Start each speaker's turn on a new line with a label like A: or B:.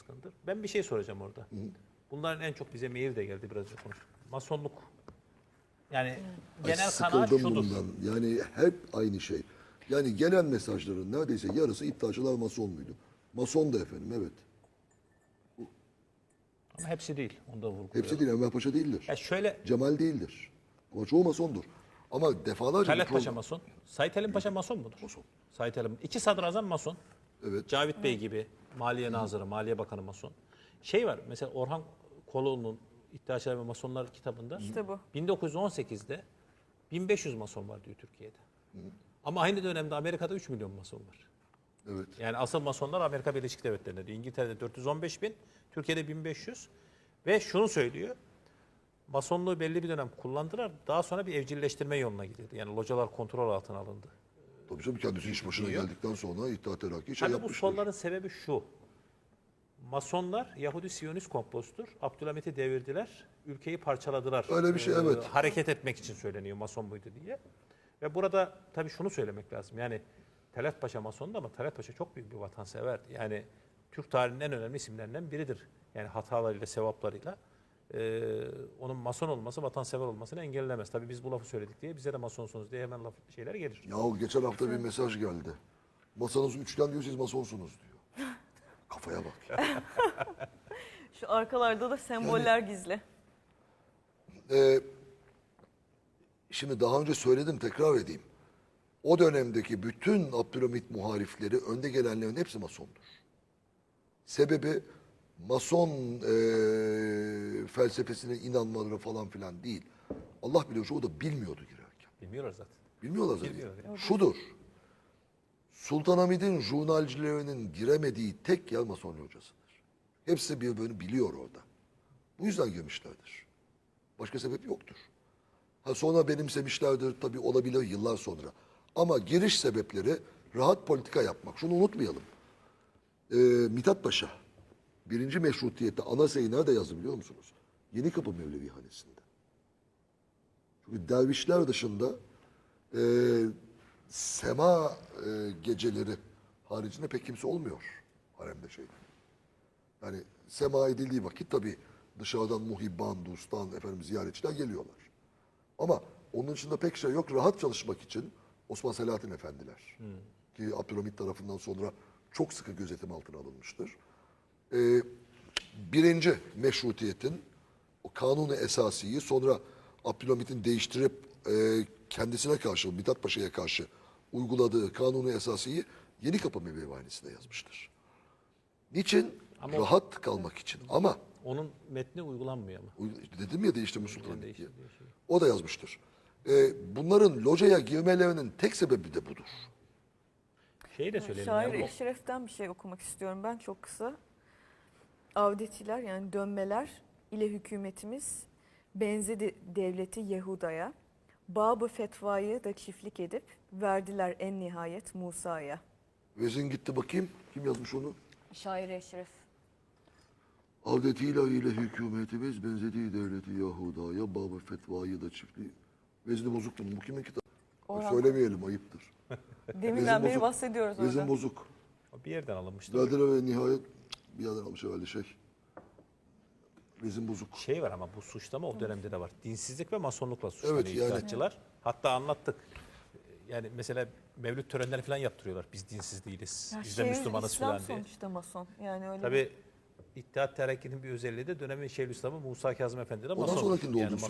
A: baskındır. Ben bir şey soracağım orada. Bunların en çok bize mail de geldi, biraz önce konuştuk. Masonluk. Yani genel kanaat
B: Sıkıldım
A: şudur.
B: bundan. Yani hep aynı şey. Yani gelen mesajların neredeyse yarısı iddiaçılar mason muydu? Mason da efendim, evet.
A: Ama hepsi değil. Onu da vurguluyorum.
B: Hepsi değil, Enver Paşa değildir.
A: Ya şöyle,
B: Cemal değildir. Ama çoğu masondur. Ama defalarca...
A: Talat Paşa mason. Sait Halim Paşa mason mudur?
B: Mason.
A: Sait Halim. İki sadrazam mason.
B: Evet.
A: Cavit Bey gibi Maliye Nazırı, Maliye Bakanı mason. Şey var mesela, Orhan Koloğlu'nun İddiaçılar ve Masonlar kitabında
C: İşte bu.
A: 1918'de 1500 mason var diyor Türkiye'de. Ama aynı dönemde Amerika'da 3 milyon mason var.
B: Evet.
A: Yani asıl masonlar Amerika Birleşik Devletleri'nde diyor. İngiltere'de 415 bin, Türkiye'de 1500. Ve şunu söylüyor, masonluğu belli bir dönem kullandılar. Daha sonra bir evcilleştirme yoluna gidildi. Yani localar kontrol altına alındı.
B: Tabii canım, kendisi iş başına geldikten sonra İttihat Terakki şey
A: Tabii bu
B: yapmıştır.
A: solların sebebi şu. Masonlar Yahudi Siyonist komplosudur. Abdülhamit'i devirdiler. Ülkeyi parçaladılar.
B: Öyle bir şey, evet.
A: Hareket etmek için söyleniyor mason buydu diye. Ve burada tabii şunu söylemek lazım. Yani Talat Paşa masondu ama Talat Paşa çok büyük bir vatanseverdi. Yani Türk tarihinin en önemli isimlerinden biridir. Yani hatalarıyla, sevaplarıyla. Onun mason olması, vatansever olmasını engellemez. Tabii biz bu lafı söyledik diye bize de masonsunuz diye hemen şeyler gelir.
B: Ya geçen hafta bir mesaj geldi. Masanız üçgen diyor, siz masonsunuz diyor. Kafaya bak.
C: Şu arkalarda da semboller gizli.
B: Şimdi daha önce söyledim, tekrar edeyim. O dönemdeki bütün Abdülhamit muharifleri, önde gelenlerin hepsi masondur. Sebebi mason felsefesine inanmaları falan filan değil. Allah biliyor, o da bilmiyordu girerken.
A: Bilmiyorlar zaten.
B: Bilmiyorlar zaten.
A: Bilmiyorlar
B: Şudur. Sultanahmet'in jurnalcilerinin giremediği tek yer mason hocasıdır. Hepsi birbirini biliyor orada. Bu yüzden girmişlerdir. Başka sebep yoktur. Ha, sonra benimsemişlerdir tabii, olabilir yıllar sonra. Ama giriş sebepleri rahat politika yapmak. Şunu unutmayalım. Mithat Paşa birinci meşrutiyette ana sayı nerede yazdı biliyor musunuz? Yenikapı Mevlevihanesi'nde. Çünkü dervişler dışında sema geceleri haricinde pek kimse olmuyor haremde şeyde. Yani sema edildiği vakit tabii dışarıdan muhibban, dostan, ziyaretçiler geliyorlar. Ama onun dışında pek şey yok. Rahat çalışmak için Osman Selahattin Efendiler ki Abdülhamit tarafından sonra çok sıkı gözetim altına alınmıştır. Birinci meşrutiyetin o kanunu esasiyi sonra Abdülhamit'in değiştirip kendisine karşı, Mithat Paşa'ya karşı uyguladığı kanunu esasiyi Yenikapı Mevlevihanesi'nde yazmıştır. Niçin?
A: Ama
B: rahat kalmak için. Ama
A: onun metni uygulanmıyor ama.
B: dedim ya, değiştirme sultanlık diye.
A: Değişti.
B: O da yazmıştır. Bunların locaya girmelerinin tek sebebi de budur.
A: Şeyi de söyleyelim.
C: Şair
A: ya, bu-
C: Eşref'ten bir şey okumak istiyorum ben çok kısa. Avdetiler yani dönmeler ile hükümetimiz benzedi devleti Yehuda'ya. Babı fetvayı da çiftlik edip verdiler en nihayet Musa'ya.
B: Vezin gitti bakayım. Kim yazmış onu?
C: Şair Eşref.
B: Avdetiyle ile hükümetimiz benzediği devleti Yahuda'ya, babı fetvayı da çiftliği. Vezni bozuk bunun. Bu kimin kitabı?
C: Orhan.
B: Söylemeyelim, ayıptır.
C: Deminden beri
B: bozuk.
C: bahsediyoruz orada.
B: Vezin bozuk.
A: Bir yerden alınmıştı.
B: Verdiler ve nihayet bir yerden almış herhalde şey. Vezin bozuk.
A: Şey var ama bu suçlama o dönemde de var. Dinsizlik ve masonlukla suçlanıyor
B: Evet, yani-
A: iddiatçılar. Hatta anlattık. Yani mesela mevlüt törenleri falan yaptırıyorlar. Biz dinsiz değiliz.
C: Ya
A: Biz de
C: Şeyhül
A: Müslümanız
C: İslam
A: falan diye.
C: sonuçta mason. Yani öyle
A: Tabii İttihat Terakki'nin bir özelliği de dönemin Şeyhülislam'ı Musa Kazım Efendi de
B: Ondan
A: mason.
B: sonrakinde olduğunu
A: mason